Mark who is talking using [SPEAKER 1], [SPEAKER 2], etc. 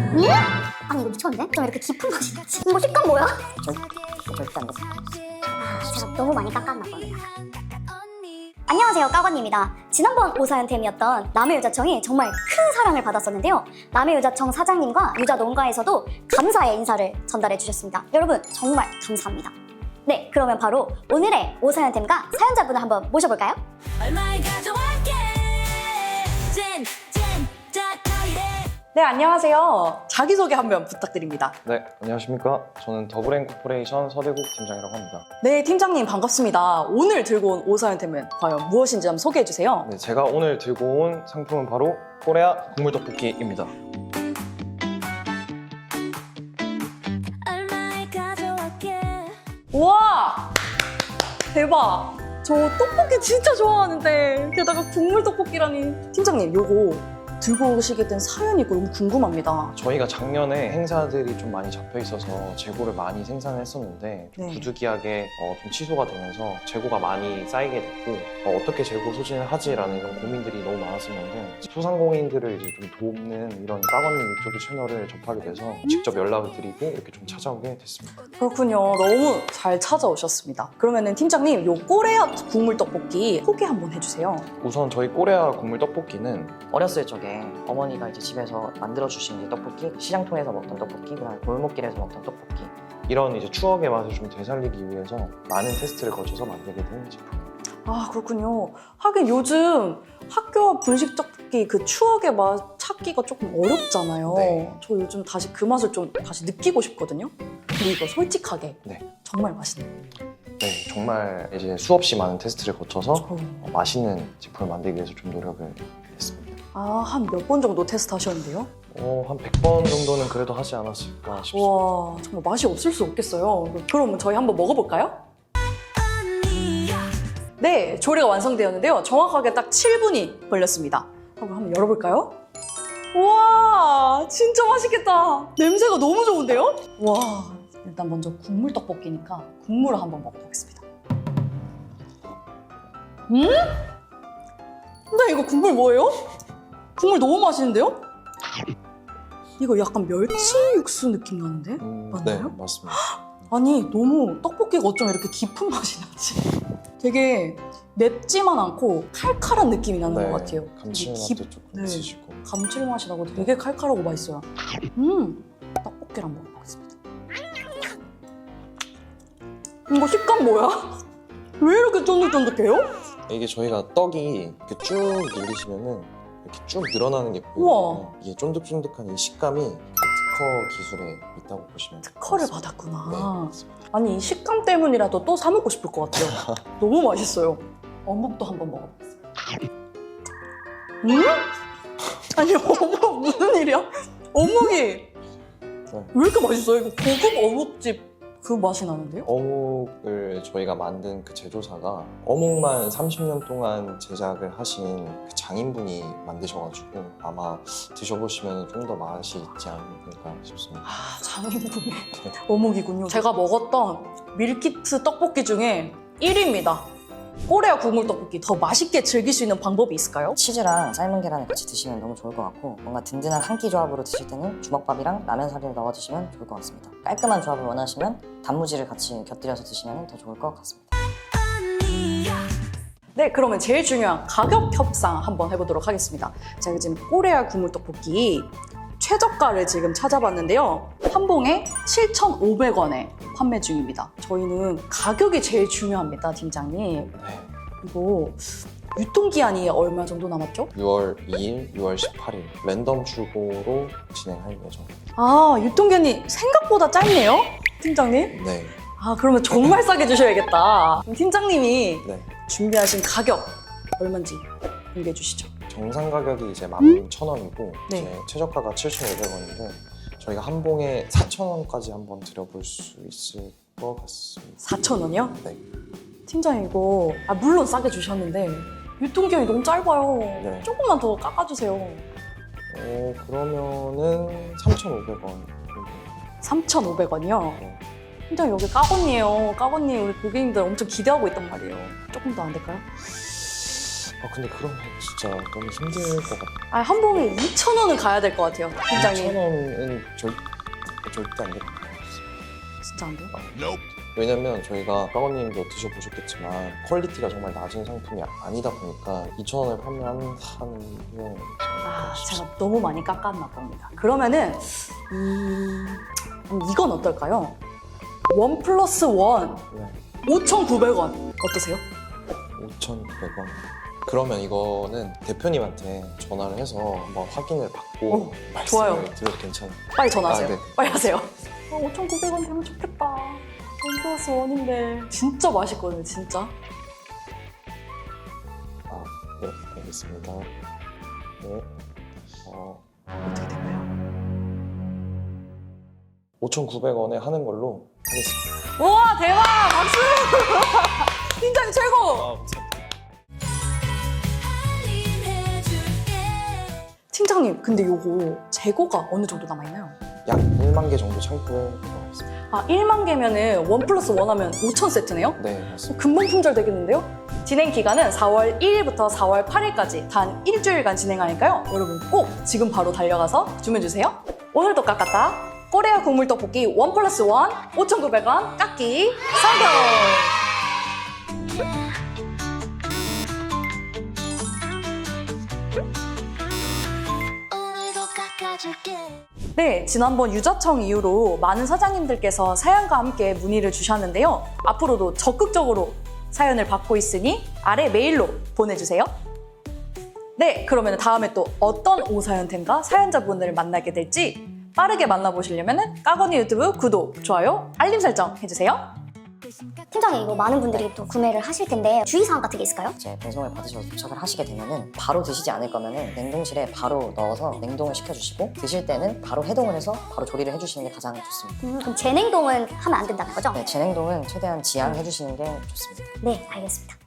[SPEAKER 1] 아니 이거 미쳤는데? 좀 이렇게 깊은 맛이 나지? 이거 식감 뭐야?
[SPEAKER 2] 절대 안 돼.
[SPEAKER 1] 제가 너무 많이 깎았나 봐요. 안녕하세요, 까건입니다. 지난번 오사연템이었던 남해유자청이 정말 큰 사랑을 받았었는데요. 남해유자청 사장님과 유자 농가에서도 감사의 인사를 전달해 주셨습니다. 여러분 정말 감사합니다. 네, 그러면 바로 오늘의 오사연템과 사연자분을 한번 모셔볼까요?
[SPEAKER 3] 네, 안녕하세요. 자기소개 한번 부탁드립니다.
[SPEAKER 4] 네, 안녕하십니까. 저는 더블앤코퍼레이션 서대국 팀장이라고 합니다.
[SPEAKER 3] 네, 팀장님 반갑습니다. 오늘 들고 온 오사연템은 과연 무엇인지 한번 소개해 주세요.
[SPEAKER 4] 네, 제가 오늘 들고 온 상품은 바로 코레아 국물떡볶이입니다.
[SPEAKER 3] 우와! 대박! 저 떡볶이 진짜 좋아하는데 게다가 국물 떡볶이라니. 팀장님, 요거 들고 오시게 된 사연이 너무 궁금합니다.
[SPEAKER 4] 저희가 작년에 행사들이 좀 많이 잡혀 있어서 재고를 많이 생산을 했었는데 좀
[SPEAKER 3] 네.
[SPEAKER 4] 부득이하게 좀 취소가 되면서 재고가 많이 쌓이게 됐고 어떻게 재고 소진을 하지라는 이런 고민들이 너무 많았었는데 소상공인들을 이제 좀 돕는 이런 까건님 유튜브 채널을 접하게 돼서 직접 연락을 드리고 이렇게 좀 찾아오게 됐습니다.
[SPEAKER 3] 그렇군요. 너무 잘 찾아오셨습니다. 그러면은 팀장님, 요 꼬레아 국물 떡볶이 소개 한번 해주세요.
[SPEAKER 4] 우선 저희 코레아 국물떡볶이는
[SPEAKER 2] 어렸을 적에 어머니가 이제 집에서 만들어주신 이제 떡볶이, 시장통에서 먹던 떡볶이, 그다음에 골목길에서 먹던 떡볶이.
[SPEAKER 4] 이런 이제 추억의 맛을 좀 되살리기 위해서 많은 테스트를 거쳐서 만들게 된 제품.
[SPEAKER 3] 아, 그렇군요. 하긴 요즘 학교 앞 분식 떡볶이 그 추억의 맛 찾기가 조금 어렵잖아요.
[SPEAKER 4] 네.
[SPEAKER 3] 저 요즘 다시 그 맛을 좀 다시 느끼고 싶거든요. 근데 이거 솔직하게
[SPEAKER 4] 네.
[SPEAKER 3] 정말 맛있네요.
[SPEAKER 4] 네, 정말 이제 수없이 많은 테스트를 거쳐서
[SPEAKER 3] 어.
[SPEAKER 4] 맛있는 제품을 만들기 위해서 좀 노력을 했습니다.
[SPEAKER 3] 아, 한 몇 번 정도 테스트 하셨는데요?
[SPEAKER 4] 한 100번 정도는 그래도 하지 않았을까 싶습니다.
[SPEAKER 3] 와, 정말 맛이 없을 수 없겠어요. 그러면 저희 한번 먹어볼까요? 네, 조리가 완성되었는데요. 정확하게 딱 7분이 걸렸습니다. 한번 열어볼까요? 우와, 진짜 맛있겠다. 냄새가 너무 좋은데요? 와, 일단 먼저 국물 떡볶이니까 국물을 한번 먹어보겠습니다. 근데 이거 국물 뭐예요? 국물 너무 맛있는데요? 이거 약간 멸치 육수 느낌 나는데? 맞나요?
[SPEAKER 4] 네, 맞습니다.
[SPEAKER 3] 아니, 너무 떡볶이가 어쩜 이렇게 깊은 맛이 나지? 되게 맵지만 않고 칼칼한 느낌이 나는 것 같아요. 되게
[SPEAKER 4] 감칠맛도 조금
[SPEAKER 3] 네.
[SPEAKER 4] 있으시고.
[SPEAKER 3] 감칠맛이 나고 되게 칼칼하고 맛있어요. 떡볶이를 한번 먹어보겠습니다. 이거 식감 뭐야? 왜 이렇게 쫀득쫀득해요?
[SPEAKER 4] 이게 저희가 떡이 이렇게 쭉 늘리시면은 이렇게 쭉 늘어나는 게
[SPEAKER 3] 우와.
[SPEAKER 4] 보여요. 이게 쫀득쫀득한 이 식감이 특허 기술에 있다고 보시면 돼요.
[SPEAKER 3] 특허를
[SPEAKER 4] 네,
[SPEAKER 3] 받았구나.
[SPEAKER 4] 맞습니다.
[SPEAKER 3] 아니, 이 식감 때문이라도 또 사 먹고 싶을 것 같아요. 너무 맛있어요. 어묵도 한번 먹어보겠습니다. 아니, 어묵 무슨 일이야? 어묵이 왜 이렇게 맛있어요? 이거 고급 어묵집 그 맛이 나는데요?
[SPEAKER 4] 어묵을 저희가 만든 그 제조사가 어묵만 30년 동안 제작을 하신 그 장인분이 만드셔가지고 아마 드셔보시면 좀 더 맛이 있지 않을까 싶습니다.
[SPEAKER 3] 아, 장인분의 어묵이군요. 제가 먹었던 밀키트 떡볶이 중에 1위입니다. 꼬레아 국물 떡볶이 더 맛있게 즐길 수 있는 방법이 있을까요?
[SPEAKER 2] 치즈랑 삶은 계란을 같이 드시면 너무 좋을 것 같고 뭔가 든든한 한 끼 조합으로 드실 때는 주먹밥이랑 라면 사리를 넣어 드시면 좋을 것 같습니다. 깔끔한 조합을 원하시면 단무지를 같이 곁들여서 드시면 더 좋을 것 같습니다.
[SPEAKER 3] 네, 그러면 제일 중요한 가격 협상 한번 해보도록 하겠습니다. 제가 지금 꼬레아 국물 떡볶이 최저가를 지금 찾아봤는데요. 한 봉에 7,500원에 판매 중입니다. 저희는 가격이 제일 중요합니다, 팀장님.
[SPEAKER 4] 네.
[SPEAKER 3] 이거 유통기한이 얼마 정도 남았죠?
[SPEAKER 4] 6월 2일, 6월 18일 랜덤 출고로 진행할 예정입니다.
[SPEAKER 3] 아, 유통기한이 생각보다 짧네요, 팀장님?
[SPEAKER 4] 네.
[SPEAKER 3] 아, 그러면 정말 싸게 주셔야겠다. 그럼 팀장님이
[SPEAKER 4] 네.
[SPEAKER 3] 준비하신 가격 얼마인지 공개해 주시죠.
[SPEAKER 4] 정상 가격이 이제 11,000원이고
[SPEAKER 3] 네.
[SPEAKER 4] 이제 최저가가 7,500원인데 저희가 한 봉에 4,000원까지 한번 드려볼 수 있을 것 같습니다.
[SPEAKER 3] 4,000원이요?
[SPEAKER 4] 네.
[SPEAKER 3] 팀장님 이거 물론 싸게 주셨는데 유통기한이 너무 짧아요.
[SPEAKER 4] 네.
[SPEAKER 3] 조금만 더 깎아주세요.
[SPEAKER 4] 그러면은 3,500원.
[SPEAKER 3] 3,500원이요?
[SPEAKER 4] 네.
[SPEAKER 3] 팀장님 여기 까건이에요. 까건님 우리 고객님들 엄청 기대하고 있단 말이에요. 조금 더 안 될까요?
[SPEAKER 4] 근데 그러면 진짜 너무 힘들 것 같아요.
[SPEAKER 3] 아, 한 봉에 2,000원은 가야 될 것 같아요. 팀장님.
[SPEAKER 4] 2,000원은 절대 안 될 것 같아요.
[SPEAKER 3] 진짜 안 돼요?
[SPEAKER 4] 왜냐면 저희가 까건님도 드셔보셨겠지만 퀄리티가 정말 낮은 상품이 아니다 보니까 2,000원을 판매하는 게
[SPEAKER 3] 아, 제가 너무 많이 깎았나 봅니다. 그러면은 이건 어떨까요? 1+1
[SPEAKER 4] 네.
[SPEAKER 3] 5,900원 어떠세요?
[SPEAKER 4] 5,900원. 그러면 이거는 대표님한테 전화를 해서 한번 확인을 받고 말씀을
[SPEAKER 3] 좋아요.
[SPEAKER 4] 드려도 괜찮아요?
[SPEAKER 3] 빨리 전화하세요.
[SPEAKER 4] 아, 네.
[SPEAKER 3] 빨리 하세요. 5,900원 되면 좋겠다. 1+1인데 진짜 맛있거든요, 진짜.
[SPEAKER 4] 네, 알겠습니다. 네.
[SPEAKER 3] 어떻게 될까요?
[SPEAKER 4] 5,900원에 하는 걸로 하겠습니다.
[SPEAKER 3] 우와, 대박! 박수! 팀장님 최고! 팀장님, 근데 요거 재고가 어느 정도 남아있나요?
[SPEAKER 4] 약 1만 개 정도 창고에 들어가 있습니다.
[SPEAKER 3] 아, 1만 개면은 1+1 하면 5,000세트네요?
[SPEAKER 4] 네, 맞습니다.
[SPEAKER 3] 금방 품절 되겠는데요? 진행 기간은 4월 1일부터 4월 8일까지 단 일주일간 진행하니까요. 여러분 꼭 지금 바로 달려가서 주문해주세요. 오늘도 깎았다. 코레아 국물 떡볶이 1+1 5,900원 깎기 성공! 네, 지난번 유자청 이후로 많은 사장님들께서 사연과 함께 문의를 주셨는데요. 앞으로도 적극적으로 사연을 받고 있으니 아래 메일로 보내주세요. 네, 그러면 다음에 또 어떤 오사연템과 사연자분들을 만나게 될지 빠르게 만나보시려면 까건이 유튜브 구독, 좋아요, 알림 설정 해주세요.
[SPEAKER 1] 팀장님, 이거 많은 분들이 또 구매를 하실 텐데 주의사항 같은 게 있을까요?
[SPEAKER 2] 이제 배송을 받으셔서 도착을 하시게 되면은 바로 드시지 않을 거면은 냉동실에 바로 넣어서 냉동을 시켜주시고 드실 때는 바로 해동을 해서 바로 조리를 해주시는 게 가장 좋습니다.
[SPEAKER 1] 그럼 재냉동은 하면 안 된다는 거죠?
[SPEAKER 2] 네, 재냉동은 최대한 지양해 주시는 게 좋습니다.
[SPEAKER 1] 네, 알겠습니다.